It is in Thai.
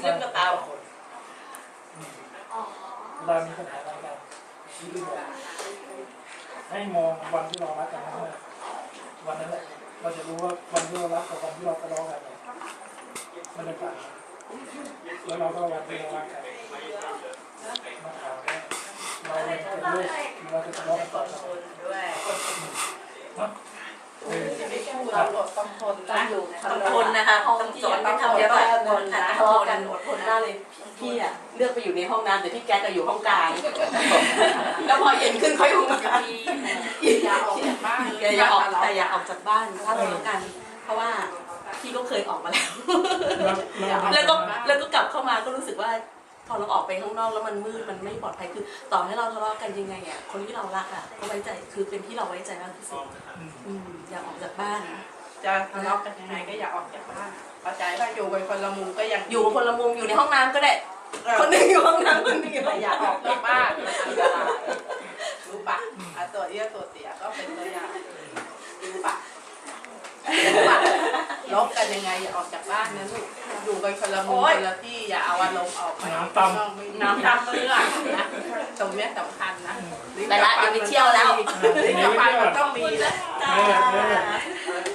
ซึ่งก็เตาเวลามีปัญหาอะไรกันชี้ดูให้มองวันที่เรารักกันนะวันนั้นแหละเราจะรู้ว่าวันที่เรารักกับวันที่เราทะเลาะกันมันเป็นต่างแล้วเราก็วันที่เรารักกันมาถามว่าเราจะเลิกหรือเราจะทะเลาะกันต่อไปด้วยเนาะเราต้องทนนะต้องทนนะคะต้องสอนต้องทำเยอะแบบทนนะทะเลาะกันอดทนมากเลยพี่อะเลือกไปอยู่ในห้องน้ำแต่พี่แก๊กก็อยู่ห้องกลางแล้วพอเย็นขึ้นค่อยห้องกลางอย่าออกจากบ้านแต่อย่าออกจากบ้านถ้าทะเลาะกันเพราะว่าพี่ก็เคยออกมาแล้วแล้วก็กลับเข้ามาก็รู้สึกว่าพอเราออกไปข้างนอกแล้วมันมืดมันไม่ปลอดภัยคือต่อให้เราทะเลาะกันยังไงอ่ะคนที่เรารักอ่ะก็ไว้ใจคือเป็นที่เราไว้ใจมากที่สุดอย่าออกจากบ้านจะทะเลาะกันยังไงก็อย่าออกจากบ้านเข้าใจถ้าอยู่กันคนละมุมก็ยังอยู่คนละมุมอยู่ในห้องน้ำก็ได้คนหนึ่งอยู่ห้องน้ำคนหนึ่งอยู่อย่าออกจากบ้านอันตรายรู้ปะตัวเอี้ยตัวเสียก็เป็นตัวอย่างรู้ปะลบกันยังไงอย่าออกจากบ้านนะลูกอยู่กันคนละมุมคนละที่อย่าเอาอารมณ์ออกไปน้ำตำเมื่อนะตรงนี้สำคัญนะแต่ละยังไปเที่ยวแล้วลิ้นกับฟันมันต้องมีนะ